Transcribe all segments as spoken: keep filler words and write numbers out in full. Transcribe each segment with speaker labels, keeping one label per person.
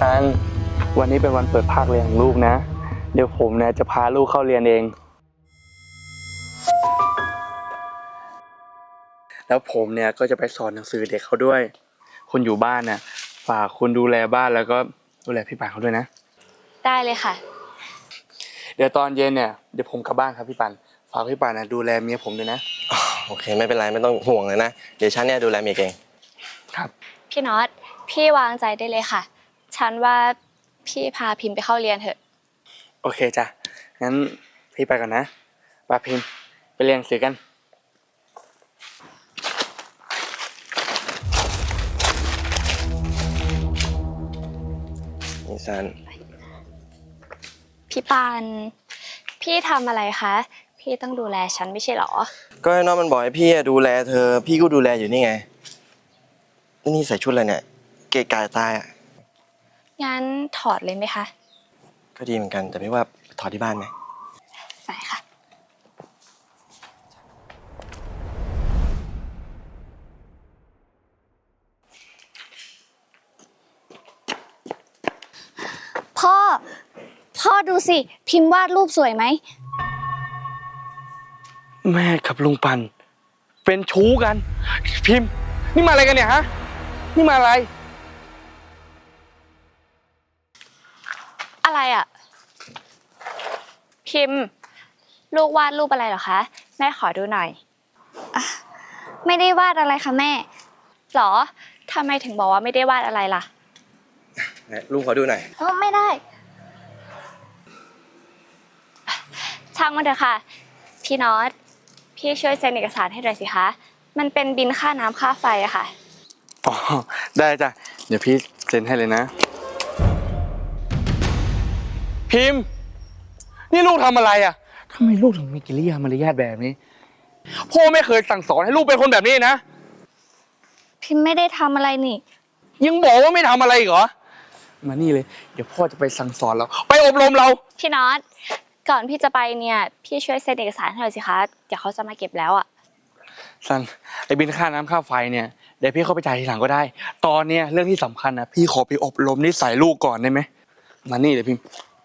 Speaker 1: ซันวันนี้เป็นวันเปิดภาคเรียนของลูกนะเดี๋ยวผมเนี่ยจะพาลูกเข้าเรียนเองแล้วผมเนี่ยก็จะไปสอนหนังสือเด็กเขาด้วยคุณอยู่บ้านน่ะฝากคุณดูแลบ้านแล้วก็ดูแลพี่ปานเขาด้วยนะ
Speaker 2: ได้เลยค่ะ
Speaker 1: เดี๋ยวตอนเย็นเนี่ยเดี๋ยวผมกลับบ้านครับพี่ปานฝากพี่ปานนะดูแลเมียผมด้วยนะ
Speaker 3: โอเคไม่เป็นไรไม่ต้องห่วงเลยนะเดี๋ยวฉันเนี่ยดูแลเมียเอง
Speaker 1: ครับ
Speaker 2: พี่น็อตพี่วางใจได้เลยค่ะฉันว่าพี่พาพิมพ์ไปเข้าเรียนเถอะ
Speaker 1: โอเคจ้ะงั้นพี่ไปก่อนนะปาพิมพ์ไปเรียนหนังสือกัน
Speaker 3: นี่ซัน
Speaker 2: พี่ปานพี่ทำอะไรคะพี่ต้องดูแลฉันไม่ใช่หรอ
Speaker 3: ก็ไอ้น้องมันบอกให้พี่ดูแลเธอพี่ก็ดูแลอยู่นี่ไงนี่ใส่ชุดอะไรเนี่ยเกะกะตายอ่ะ
Speaker 2: งั้นถอดเลยไหมคะ
Speaker 3: ก็ดีเหมือนกันแต่ไม่ว่าถอดที่บ้านไหม
Speaker 2: ใส่ค่ะพ่อพ่อดูสิพิมพ์วาดรูปสวยไหม
Speaker 1: แม่กับลุงปันเป็นชู้กันพิมพ์นี่มาอะไรกันเนี่ยฮะนี่มาอะไร
Speaker 2: อะไรอ่ะพิมพ์ลูกวาดรูปอะไรเหรอคะแม่ขอดูหน่อยไม่ได้วาดอะไรค่ะแม่หรอทำไมถึงบอกว่าไม่ได้วาดอะไรล่ะ
Speaker 3: ลุงขอดูหน่อย
Speaker 2: เออไม่ได้ช่างมันเถอะค่ะพี่น็อตพี่ช่วยเซ็นเอกสารให้หน่อยสิคะมันเป็นบิลค่าน้ำค่าไฟอะค่ะ
Speaker 1: อ๋อได้จ้ะเดี๋ยวพี่เซ็นให้เลยนะพิมพ์นี่ลูกทำอะไรอ่ะทำไมลูกถึงมีกิริยามารยาทแบบนี้พ่อไม่เคยสั่งสอนให้ลูกเป็นคนแบบนี้นะ
Speaker 2: พิมพ์ไม่ได้ทำอะไรนี่
Speaker 1: ยังบอกว่าไม่ทำอะไรอีกเหรอมานี่เลยเดี๋ยวพ่อจะไปสั่งสอนเราไปอบรมเรา
Speaker 2: พี่น็อตก่อนพี่จะไปเนี่ยพี่ช่วยเซ็นเอกสารให้หน่อยสิคะเดี๋ยวเขาจะมาเก็บแล้วอ่ะ
Speaker 1: ซันไอ้บินค่าน้ำค่าไฟเนี่ยเดี๋ยวพี่เข้าไปจ่ายทีหลังก็ได้ตอนเนี้ยเรื่องที่สำคัญนะพี่ขอไปอบรมนิสัยลูกก่อนได้ไหมมานี่เลยพิม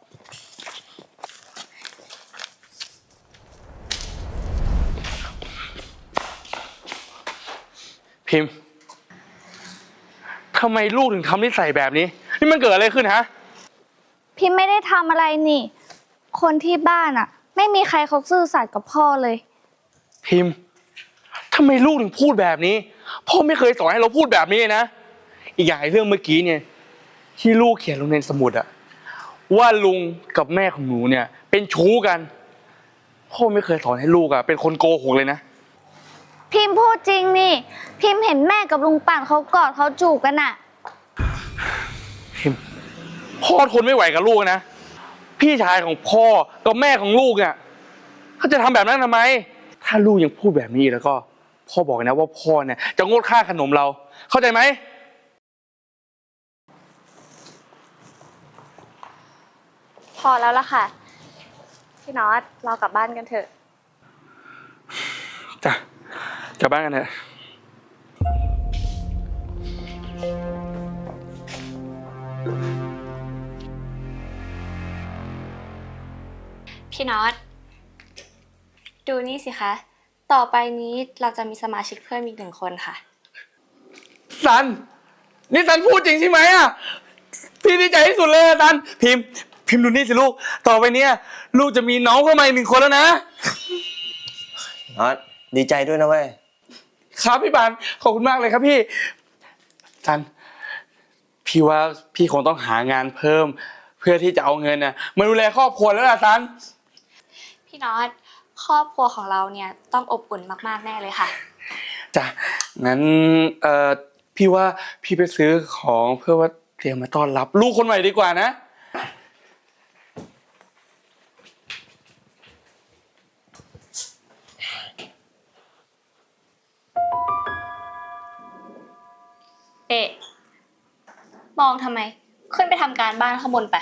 Speaker 1: พิมพ์ทำไมลูกถึงทำนิสัยแบบนี้นี่มันเกิดอะไรขึ้นฮะ
Speaker 2: พิมไม่ได้ทำอะไรนี่คนที่บ้านอ่ะไม่มีใครเขาซื่อสัตย์กับพ่อเลย
Speaker 1: พิมพ์ทำไมลูกถึงพูดแบบนี้พ่อไม่เคยสอนให้เราพูดแบบนี้นะอีกอย่างเรื่องเมื่อกี้เนี่ยที่ลูกเขียนลงในสมุดอะว่าลุงกับแม่ของหนูเนี่ยเป็นชู้กันพ่อไม่เคยสอนให้ลูกอะเป็นคนโกหกเลยนะ
Speaker 2: พิมพูดจริงนี่พิมเห็นแม่กับลุงป่านเขากอดเขาจูบกันอะ
Speaker 1: พิมพ่อทนไม่ไหวกับลูกนะพี่ชายของพ่อกับแม่ของลูกเนี่ยเขาจะทำแบบนั้นทำไมถ้าลูกยังพูดแบบนี้แล้วก็พ่อบอกนะว่าพ่อเนี่ยจะงดค่าขนมเราเข้าใจไหม
Speaker 2: พอแล้วล่ะค่ะพี่น็อตเรากลับบ้านกันเถอะ
Speaker 1: จ้ะกลับบ้านกันเถอะ
Speaker 2: พี่น็อตดูนี่สิคะต่อไปนี้เราจะมีสมาชิกเพิ่มอีกหนึ่งคนค่ะ
Speaker 1: ซันนี่ซันพูดจริงใช่ไหมอ่ะพี่ดีใจที่สุดเลยซันพิมพ์พิมพ์ดูนี่สิลูกต่อไปเนี้ยลูกจะมีน้องเข้ามาอีกหนึ่งคนแล้วนะ
Speaker 3: น็อตดีใจด้วยนะเว้ย
Speaker 1: ครับพี่ปานขอบคุณมากเลยครับพี่ซันพี่ว่าพี่คงต้องหางานเพิ่มเพื่อที่จะเอาเงินน่ะมาดูแลครอบครัวแล้วล่ะซัน
Speaker 2: พี่น็อตครอบครัวของเราเนี่ยต้องอบอุ่นมากๆแน่เลยค่ะ
Speaker 1: จ้ะงั้นเอ่อพี่ว่าพี่ไปซื้อของเพื่อว่าเตรียมมาต้อนรับลูกคนใหม่ดีกว่านะ
Speaker 2: เอ๊ะมองทำไมขึ้นไปทำการบ้านข้างบนไป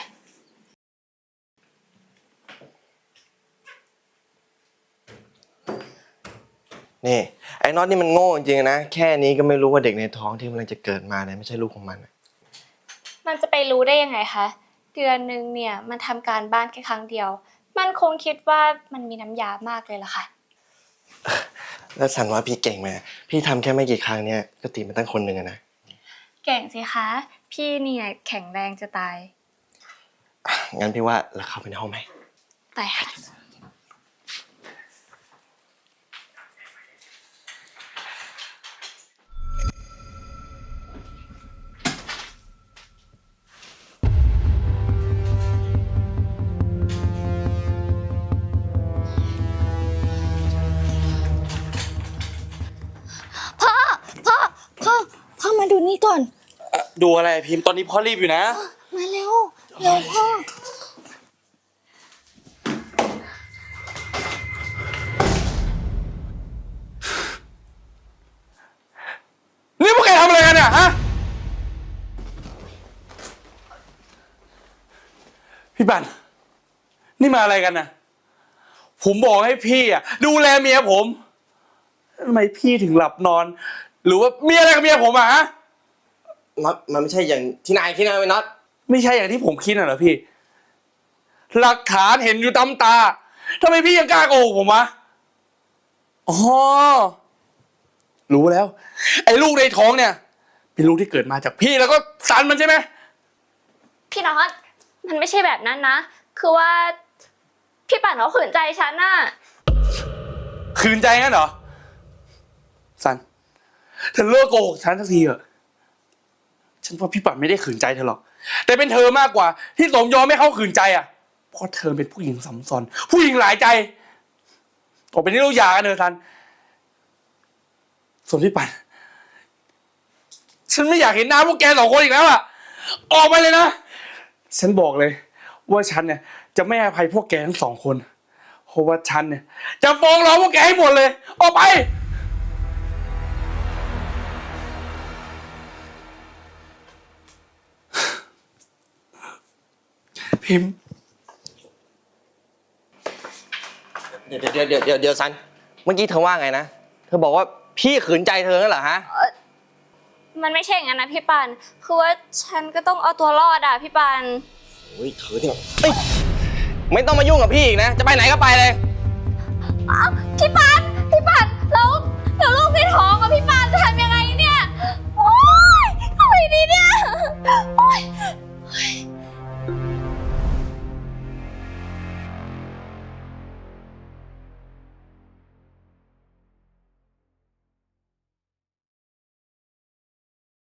Speaker 3: นี่ไอ้น็อตนี่มันโง่จริงๆนะแค่นี้ก็ไม่รู้ว่าเด็กในท้องที่กำลังจะเกิดมาเนี่ยไม่ใช่ลูกของมัน
Speaker 2: มันจะไปรู้ได้ยังไงคะ เดือนหนึ่งเนี่ยมันทำการบ้านแค่ครั้งเดียว มันคงคิดว่ามันมีน้ำยามากเลยล่ะค่ะ
Speaker 3: แล้วสันว่าพี่เก่งไหมพี่ทำแค่ไม่กี่ครั้งเนี่ยก็ตีมันตั้งคนหนึ่งอะนะ
Speaker 2: เก่งสิคะ พี่เนี่ยแข็งแรงจะตาย
Speaker 3: งั้นพี่ว่าเราเข้าไปในห้องไหม
Speaker 2: แต่ค่ะ พ่อ พ่อ พ่อ พ่อมาดูนี่ก่อน
Speaker 1: ดูอะไรพิมพ์ตอนนี้พ่อรีบอยู่นะ
Speaker 2: มาเร็ว เร็วพ่อ
Speaker 1: นี่พวกแกทำอะไรกันเนี่ยฮะ พี่ปันนี่มาอะไรกันนะผมบอกให้พี่อ่ะดูแลเมียผมทำไมพี่ถึงหลับนอน หรือว่ามีอะไรกับเมียผมอ่ะฮะ
Speaker 3: น็อตมันไม่ใช่อย่างที่นายคิดนะเว้ยน็อต
Speaker 1: ไม่ใช่อย่างที่ผมคิดน่ะเหรอพี่ หลักฐานเห็นอยู่ตามตาทำไมพี่ยังกล้าโกหกผมวะอ๋อรู้แล้ว ไอ้ลูกในท้องเนี่ย เป็นลูกที่เกิดมาจากพี่แล้วก็สันมันใช่ไหม
Speaker 2: พี่น็อต มันไม่ใช่แบบนั้นนะ คือว่า พี่ป่านเขาขืนใจฉันน่ะ
Speaker 1: ขืนใจงั้นเหรอสันเธอเลิกโกหกฉันสักทีเถอะฉันว่าพี่ปัดไม่ได้ขืนใจเธอหรอกแต่เป็นเธอมากกว่า ที่สมยอมให้เขาขืนใจอ่ะเพราะเธอเป็นผู้หญิงสัมซอนผู้หญิงหลายใจต่อไปนี้เราหย่ากันเถอะสันส่วนพี่ปัดฉันไม่อยากเห็นหน้าพวกแกสองคนอีกแล้วอ่ะออกไปเลยนะฉันบอกเลยว่าฉันเนี่ยจะไม่อภัยพวกแกทั้งสองคนเพราะว่าฉันเนี่ยจะฟ้องร้องพวกแกให้หมดเลยออกไปพิมพ์
Speaker 3: เดี๋ยวเดี๋ยวเดี๋ยวเดี๋ยวเดี๋ยวสันเมื่อกี้เธอว่าไงนะเธอบอกว่าพี่ขืนใจเธอนั่นเหรอฮะ
Speaker 2: มันไม่ใช่อย่างนั้นนะพี่ปัน คือว่าฉันก็ต้องเอาตัวรอดอ่ะพี่ปัน
Speaker 3: โอ้ยเธอเนี่ยเอ้ยไม่ต้องมายุ่งกับพี่อีกนะจะไปไหนก็ไปเลย
Speaker 2: อ้าวพี่ปัน พี่ปันแล้วแล้วลูกในท้องอะพี่ปันจะทำยัง